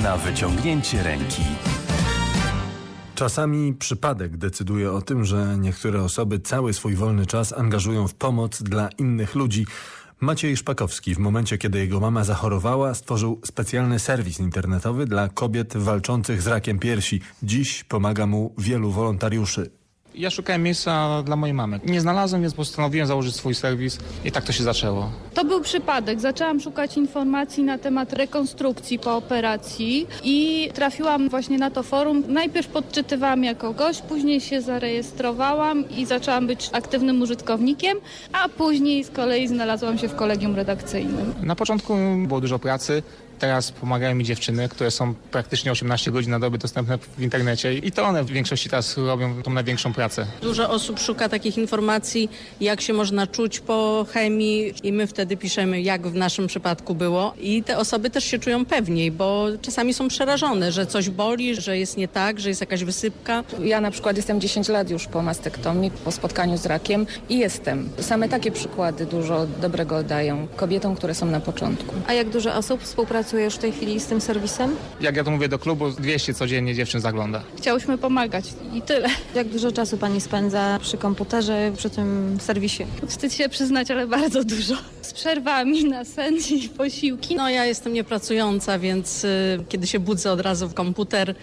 na wyciągnięcie ręki. Czasami przypadek decyduje o tym, że niektóre osoby cały swój wolny czas angażują w pomoc dla innych ludzi. Maciej Szpakowski w momencie, kiedy jego mama zachorowała, stworzył specjalny serwis internetowy dla kobiet walczących z rakiem piersi. Dziś pomaga mu wielu wolontariuszy. Ja szukałem miejsca dla mojej mamy. Nie znalazłem, więc postanowiłem założyć swój serwis i tak to się zaczęło. To był przypadek. Zaczęłam szukać informacji na temat rekonstrukcji po operacji i trafiłam właśnie na to forum. Najpierw podczytywałam jako gość, później się zarejestrowałam i zaczęłam być aktywnym użytkownikiem, a później z kolei znalazłam się w kolegium redakcyjnym. Na początku było dużo pracy. Teraz pomagają mi dziewczyny, które są praktycznie 18 godzin na dobę dostępne w internecie i to one w większości teraz robią tą największą pracę. Dużo osób szuka takich informacji, jak się można czuć po chemii i my wtedy piszemy, jak w naszym przypadku było. I te osoby też się czują pewniej, bo czasami są przerażone, że coś boli, że jest nie tak, że jest jakaś wysypka. Ja na przykład jestem 10 lat już po mastektomii, po spotkaniu z rakiem i jestem. Same takie przykłady dużo dobrego dają kobietom, które są na początku. A jak dużo osób współpracuje już w tej chwili z tym serwisem? Jak ja to mówię do klubu, 200 codziennie dziewczyn zagląda. Chciałyśmy pomagać i tyle. Jak dużo czasu pani spędza przy komputerze, przy tym serwisie? Wstyd się przyznać, ale bardzo dużo. Z przerwami na sen i posiłki. No ja jestem niepracująca, więc kiedy się budzę od razu w komputer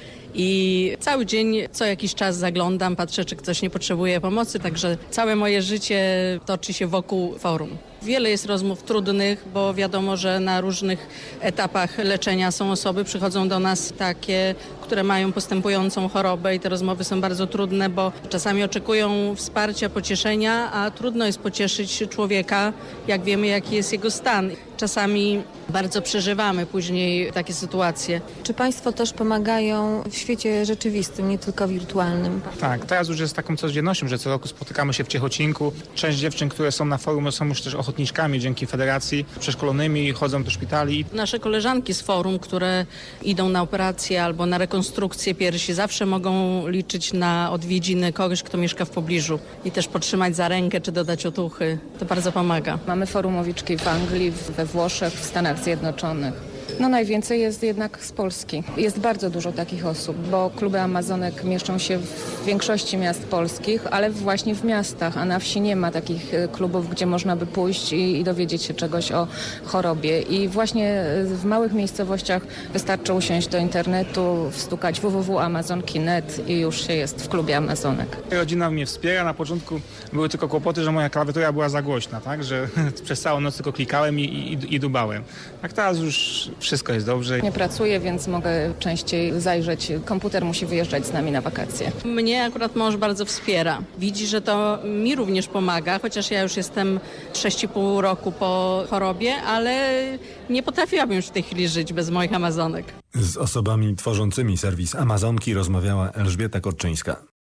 i cały dzień co jakiś czas zaglądam, patrzę, czy ktoś nie potrzebuje pomocy, także całe moje życie toczy się wokół forum. Wiele jest rozmów trudnych, bo wiadomo, że na różnych etapach leczenia są osoby, przychodzą do nas takie, które mają postępującą chorobę i te rozmowy są bardzo trudne, bo czasami oczekują wsparcia, pocieszenia, a trudno jest pocieszyć człowieka, jak wiemy, jaki jest jego stan. Czasami bardzo przeżywamy później takie sytuacje. Czy państwo też pomagają w świecie rzeczywistym, nie tylko wirtualnym? Tak, teraz już jest taką codziennością, że co roku spotykamy się w Ciechocinku. Część dziewczyn, które są na forum, są już też ochotniczkami dzięki federacji, przeszkolonymi, chodzą do szpitali. Nasze koleżanki z forum, które idą na operację albo na rekonstrukcję piersi, zawsze mogą liczyć na odwiedziny kogoś, kto mieszka w pobliżu i też podtrzymać za rękę czy dodać otuchy. To bardzo pomaga. Mamy forumowiczki w Anglii, we Włoszech, w Stanach Zjednoczonych. No najwięcej jest jednak z Polski. Jest bardzo dużo takich osób, bo kluby Amazonek mieszczą się w większości miast polskich, ale właśnie w miastach, a na wsi nie ma takich klubów, gdzie można by pójść i dowiedzieć się czegoś o chorobie. I właśnie w małych miejscowościach wystarczy usiąść do internetu, wstukać www.amazonki.net i już się jest w klubie Amazonek. Rodzina mnie wspiera. Na początku były tylko kłopoty, że moja klawiatura była za głośna, tak? Że przez całą noc tylko klikałem i dubałem. Tak teraz już wszystko jest dobrze. Nie pracuję, więc mogę częściej zajrzeć. Komputer musi wyjeżdżać z nami na wakacje. Mnie akurat mąż bardzo wspiera. Widzi, że to mi również pomaga, chociaż ja już jestem 6,5 roku po chorobie, ale nie potrafiłabym już w tej chwili żyć bez moich Amazonek. Z osobami tworzącymi serwis Amazonki rozmawiała Elżbieta Korczyńska.